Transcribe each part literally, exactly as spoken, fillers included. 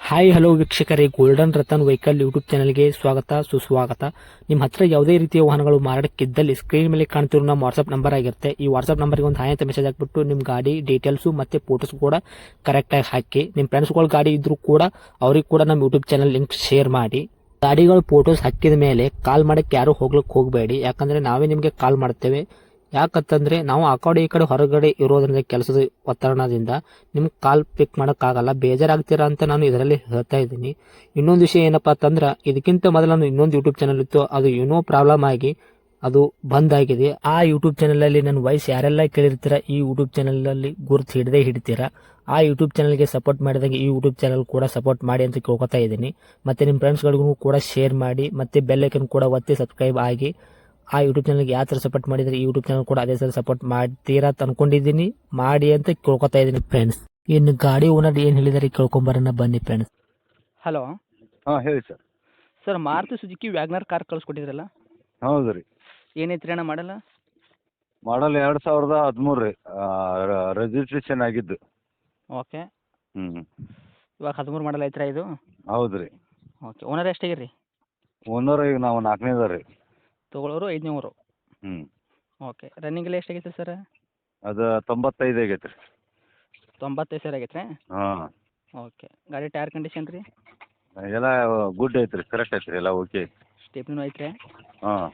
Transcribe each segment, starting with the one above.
Hi hello ವೀಕ್ಷಕರೇ, golden Ratan vehicle YouTube ಚಾನಲ್ಗೆ ಸ್ವಾಗತ ಸುಸ್ವಾಗತ. ನಿಮ್ಮ ಹತ್ರ ಯಾವುದೇ ರೀತಿಯ ವಾಹನಗಳು ಮಾರಾಟಕ್ಕಿದ್ದಲ್ಲಿ ಸ್ಕ್ರೀನ್ ಮೇಲೆ ಕಾಣ್ತಿರೋ ನಮ್ಮ ವಾಟ್ಸ್ಆಪ್ ನಂಬರ್ ಆಗಿರುತ್ತೆ. ಈ ವಾಟ್ಸ್ಆಪ್ ನಂಬರ್ಗೆ ಒಂದು ಹಾಯ್ ಅಂತ ಮೆಸೇಜ್ ಹಾಕ್ಬಿಟ್ಟು ನಿಮ್ಮ ಗಾಡಿ ಡೀಟೇಲ್ಸು ಮತ್ತೆ ಫೋಟೋಸ್ ಕೂಡ ಕರೆಕ್ಟಾಗಿ ಹಾಕಿ. ನಿಮ್ಮ ಫ್ರೆಂಡ್ಸ್ಗಳ ಗಾಡಿ ಇದ್ರೂ ಕೂಡ ಅವ್ರಿಗೆ ಕೂಡ ನಮ್ಮ ಯೂಟ್ಯೂಬ್ ಚಾನಲ್ ಲಿಂಕ್ ಶೇರ್ ಮಾಡಿ. ಗಾಡಿಗಳು ಫೋಟೋಸ್ ಹಾಕಿದ ಮೇಲೆ ಕಾಲ್ ಮಾಡಕ್ಕೆ ಯಾರು ಹೋಗ್ಲಿಕ್ಕೆ ಹೋಗಬೇಡಿ, ಯಾಕಂದ್ರೆ ನಾವೇ ನಿಮಗೆ ಕಾಲ್ ಮಾಡ್ತೇವೆ. ಯಾಕಂತಂದ್ರೆ ನಾವು ಆ ಕಡೆ ಈ ಕಡೆ ಹೊರಗಡೆ ಇರೋದ್ರಿಂದ ಕೆಲಸದ ಒತ್ತಡದಿಂದ ನಿಮ್ಗೆ ಕಾಲ್ ಪಿಕ್ ಮಾಡೋಕ್ಕಾಗಲ್ಲ, ಬೇಜಾರಾಗ್ತೀರಾ ಅಂತ ನಾನು ಇದರಲ್ಲಿ ಹೇಳ್ತಾ ಇದ್ದೀನಿ. ಇನ್ನೊಂದು ವಿಷಯ ಏನಪ್ಪಾ ಅಂತಂದ್ರೆ, ಇದಕ್ಕಿಂತ ಮೊದಲು ನಾನು ಇನ್ನೊಂದು ಯೂಟ್ಯೂಬ್ ಚಾನಲ್ ಇತ್ತು, ಅದು ಏನೋ ಪ್ರಾಬ್ಲಮ್ ಆಗಿ ಅದು ಬಂದ್ ಆಗಿದೆ. ಆ ಯೂಟ್ಯೂಬ್ ಚಾನಲ್ ಅಲ್ಲಿ ನನ್ನ ವಾಯ್ಸ್ ಯಾರೆಲ್ಲ ಕೇಳಿರ್ತೀರಾ, ಈ ಯೂಟ್ಯೂಬ್ ಚಾನಲ್ ಅಲ್ಲಿ ಗುರುತು ಹಿಡದೆ ಹಿಡಿತೀರಾ. ಆ ಯೂಟ್ಯೂಬ್ ಚಾನಲ್ಗೆ ಸಪೋರ್ಟ್ ಮಾಡಿದಾಗ ಈ ಯೂಟ್ಯೂಬ್ ಚಾನಲ್ ಕೂಡ ಸಪೋರ್ಟ್ ಮಾಡಿ ಅಂತ ಕೇಳ್ಕೊತಾ ಇದ್ದೀನಿ. ಮತ್ತೆ ನಿಮ್ಮ ಫ್ರೆಂಡ್ಸ್ಗಳಿಗೂ ಕೂಡ ಶೇರ್ ಮಾಡಿ, ಮತ್ತೆ ಬೆಲ್ ಐಕನ್ ಕೂಡ ಒತ್ತಿ ಸಬ್ಸ್ಕ್ರೈಬ್ ಆಗಿ. ಆ ಯೂಟ್ಯೂಬ್ ಚಾನಲ್ಗೆ ಯಾವ ಥರ ಸಪೋರ್ಟ್ ಮಾಡಿದರೆ ಈ ಯೂಟ್ಯೂಬ್ ಚಾನಲ್ ಕೂಡ ಅದೇ ಥರ ಸಪೋರ್ಟ್ ಮಾಡ್ತೀರಾ ಅಂತ ಅನ್ಕೊಂಡಿದ್ದೀನಿ. ಮಾಡಿ ಅಂತ ಕೇಳ್ಕೊತಾ ಇದ್ದೀನಿ ಫ್ರೆಂಡ್ಸ್. ಇನ್ನು ಗಾಡಿ ಓನರ್ ಏನು ಹೇಳಿದಾರೆ ಕೇಳ್ಕೊಂಬರೋಣ ಬನ್ನಿ ಫ್ರೆಂಡ್ಸ್. ಹಲೋ ಹಾಂ ಹೇಳಿ sir. Sir, Maruti Suzuki WagonR car ಕಳಿಸ್ಕೊಟ್ಟಿದ್ರಲ್ಲ, ಹೌದು ರೀ. ಏನೈತ್ರಿ ಅಣ್ಣ ಮಾಡಲ್ಲ? ಮಾಡಲ್ ಎರಡು ಸಾವಿರದ ಹದಿಮೂರು ರೀ, ರಿಜಿಸ್ಟ್ರೇಷನ್ ಆಗಿದ್ದು. ಓಕೆ, ಹ್ಞೂ ಇವಾಗ ಹದಿಮೂರು ಮಾಡಲ್ ಐತ್ರಾ ಇದು? ಹೌದು ರೀ. Okay, owner ಎಷ್ಟಾಗಿರಿ? ಓನರ್ ಈಗ ನಾವು ನಾಲ್ಕನೇದ ರೀ. ತೊಗೊಳೋರು ಐದುನೂರು. ಹ್ಞೂ ಓಕೆ, ರನ್ನಿಂಗ್ ಎಲ್ಲ ಎಷ್ಟಾಗೈತೆ ಸರ್? ಅದು ತೊಂಬತ್ತೈದು ಆಗೈತೆ ರೀ. ತೊಂಬತ್ತೈದು ಸಾವಿರ ಆಗೈತೆ ರೀ? ಹಾಂ. ಓಕೆ, ಗಾಡಿ ಟೈರ್ ಕಂಡೀಷನ್ ರೀ? ಎಲ್ಲ ಗುಡ್ ಐತೆ ರೀ, ಕರೆಕ್ಟ್ ಐತೆ ರೀ, ಎಲ್ಲ ಓಕೆ. ಸ್ಟೆಪ್ನೂ ಐತ್ರಿ? ಹಾಂ.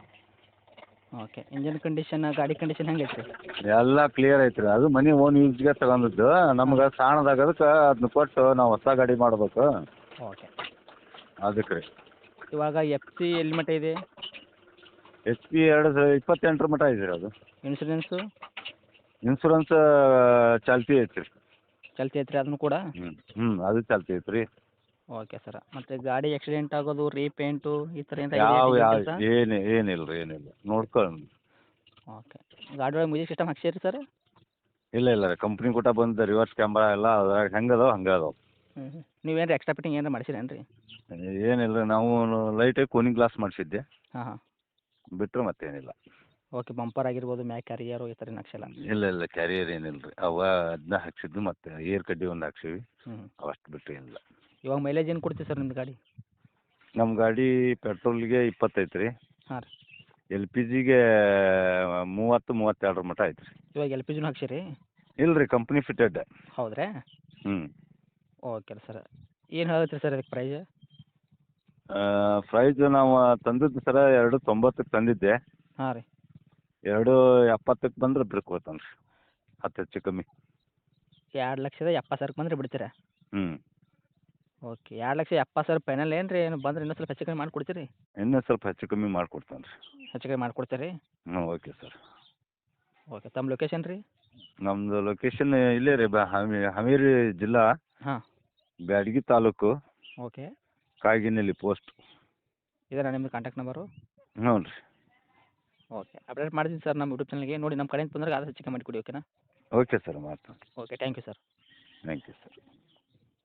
ಓಕೆ, ಇಂಜನ್ ಕಂಡೀಷನ್ ಗಾಡಿ ಕಂಡೀಷನ್ ಹೆಂಗೆ ಐತ್ರಿ? ಎಲ್ಲ ಕ್ಲಿಯರ್ ಐತೆ ರೀ. ಅದು ಮನೆ ಓನ್ ಯೂಸ್ಗೆ ತಗೊಂಡಿದ್ದು, ನಮ್ಗೆ ಸಾಣದಾಗದಕ್ಕೆ ಅದನ್ನ ಕೊಟ್ಟು ನಾವು ಹೊಸ ಗಾಡಿ ಮಾಡ್ಬೇಕು. ಓಕೆ, ಅದಕ್ಕೆ ರೀ. ಇವಾಗ ಎಫ್ ಸಿ ಎಲ್ಲಿ ಮಟ್ಟ ಇದೆ? ಎಚ್ ಪಿ ಎರಡು ಸ- ಇಪ್ಪತ್ತೆಂಟರ ಮಟ್ಟ ಐತೆ ರೀ. ಅದು ಇನ್ಶೂರೆನ್ಸು ಇನ್ಸೂರೆನ್ಸ್ ಚಾಲ್ತಿ ಐತೆ ರೀ. ಚಲ್ತಿ ಐತ್ರಿ ಅದನ್ನು ಕೂಡ? ಹ್ಞೂ ಹ್ಞೂ ಅದು ಚಾಲ್ತಿ ಐತೆ ರೀ. ಓಕೆ ಸರ್, ಮತ್ತು ಗಾಡಿ ಆಕ್ಸಿಡೆಂಟ್ ಆಗೋದು, ರೀಪೇಂಟು ಈ ಥರ ಏನು ಯಾವ ಯಾವ ಕೆಲಸ? ಏನು ಏನಿಲ್ಲ ರೀ, ಏನಿಲ್ಲ ನೋಡ್ಕೊಂಡು. ಓಕೆ, ಗಾಡಿ ಒಳಗೆ ಮ್ಯೂಸಿಕ್ ಸಿಸ್ಟಮ್ ಹಾಕ್ಸಿರಿ ಸರ್? ಇಲ್ಲ ಇಲ್ಲ ರೀ, ಕಂಪ್ನಿ ಕೂಟ ಬಂದು ರಿವರ್ಸ್ ಕ್ಯಾಮ್ರಾ ಎಲ್ಲ ಅದ್ರಾಗ ಹೆಂಗೆ ಅದಾವೆ ಹಂಗೆ ಅದಾವೆ. ಹ್ಞೂ ಹ್ಞೂ ನೀವೇನು ಎಕ್ಸ್ಟ್ರಾ ಫಿಟ್ಟಿಂಗ್ ಏನಾರು ಮಾಡಿಸಿರೇನು ರೀ? ಏನಿಲ್ಲ ರೀ, ನಾವು ಲೈಟಾಗಿ ಕೂಲಿಂಗ್ ಗ್ಲಾಸ್ ಮಾಡಿಸಿದ್ದೆ, ಹಾಂ ಹಾಂ. ಬಿಟ್ಟರೆ ಮತ್ತೇನಿಲ್ಲ. ಓಕೆ, ಬಂಪರ್ ಆಗಿರ್ಬೋದು, ಮ್ಯಾಕ್ ಕ್ಯಾರಿಯರು ಈ ಥರ ಏನು ಹಾಕ್ಸಿಲ್ಲ? ಇಲ್ಲ ಇಲ್ಲ ಕ್ಯಾರಿಯರ್ ಏನಿಲ್ಲ ರೀ, ಅವ ಅದನ್ನ ಹಾಕ್ಸಿದ್ದು ಮತ್ತು ಏರ್ ಕಡ್ಡಿ ಒಂದು ಹಾಕ್ಸಿವಿ, ಹ್ಞೂ. ಅವಷ್ಟು ಬಿಟ್ಟರೆ ಏನಿಲ್ಲ. ಇವಾಗ ಮೈಲೇಜ್ ಏನು ಕೊಡ್ತೀವಿ ಸರ್ ನಿಮ್ಮದು ಗಾಡಿ? ನಮ್ಮ ಗಾಡಿ ಪೆಟ್ರೋಲ್ಗೆ ಇಪ್ಪತ್ತೈತೆ ರೀ, ಹಾಂ ರೀ. ಎಲ್ ಪಿ ಜಿಗೆ ಮೂವತ್ತು ಮೂವತ್ತೆರಡರ ಮಟ್ಟ ಐತೆ ರೀ. ಇವಾಗ ಎಲ್ ಪಿ ಜಿನೂ ಹಾಕ್ಸಿರಿ? ಇಲ್ಲ ರೀ, ಕಂಪ್ನಿ ಫಿಟೆಡ್. ಹೌದ್ರಾ? ಹ್ಞೂ. ಓಕೆ ಸರ್, ಏನು ಹೇಳತ್ತೀರಿ ಸರ್ ಅದಕ್ಕೆ ಪ್ರೈಸ್? ಪ್ರೈಸ್ ನಾವು ತಂದಿದ್ದು ಸರ ಎರಡು ತೊಂಬತ್ತಕ್ಕೆ ತಂದಿದ್ದೆ, ಹಾಂ ರೀ. ಎರಡು ಎಪ್ಪತ್ತಕ್ಕೆ ಬಂದ್ರೆ ಬಿಡ್ಕೊತಾನೆ ರೀ, ಹತ್ತು ಹೆಚ್ಚು ಕಮ್ಮಿ. ಎರಡು ಲಕ್ಷದ ಎಪ್ಪತ್ತು ಸಾವಿರಕ್ಕೆ ಬಂದರೆ ಬಿಡ್ತೀರಾ? ಹ್ಞೂ. ಓಕೆ, ಎರಡು ಲಕ್ಷ ಎಪ್ಪತ್ತು ಸಾವಿರ ಫೈನಲ್ ಏನು ರೀ? ಏನು ಬಂದ್ರೆ ಇನ್ನೂ ಸ್ವಲ್ಪ ಹೆಚ್ಚು ಕಮ್ಮಿ ಮಾಡಿಕೊಡ್ತೀರಿ? ಇನ್ನೂ ಸ್ವಲ್ಪ ಹೆಚ್ಚು ಕಮ್ಮಿ ಮಾಡಿಕೊಡ್ತಾನೆ ರೀ. ಹೆಚ್ಚು ಕಮ್ಮಿ ಮಾಡಿಕೊಡ್ತೀರಿ? ಹ್ಞೂ ಓಕೆ ಸರ್. ಓಕೆ, ತಮ್ಮ ಲೊಕೇಶನ್ ರೀ? ನಮ್ಮದು ಲೊಕೇಶನ್ ಇಲ್ಲೇ ರೀ, ಬ ಹಾಮಿ ಹಾವೇರಿ ಜಿಲ್ಲಾ, ಹಾಂ. ಬ್ಯಾಡಗಿ ತಾಲೂಕು, ಓಕೆ, ಕಾಗಿನೆಲ್ಲಿ ಪೋಸ್ಟ್. ಇದರ ನಿಮ್ಮದು ಕಾಂಟ್ಯಾಕ್ಟ್ ನಂಬರು? ಹ್ಞೂ ರೀ. ಓಕೆ, ಅಪ್ಡೇಟ್ ಮಾಡ್ತೀನಿ ಸರ್ ನಮ್ಮ ಯೂಟ್ಯೂಬ್ ಚಾನಲ್ಗೆ. ನೋಡಿ ನಮ್ಮ ಕಡೆಯಿಂದ ಬಂದಾಗ ಆದಷ್ಟು ಹೆಚ್ಚು ಕಮ್ಮಿ ಮಾಡಿಕೊಡಿ. ಓಕೆನಾ? ಓಕೆ ಸರ್, ಮಾಡ್ತೀನಿ. Okay, thank you sir. Thank you sir.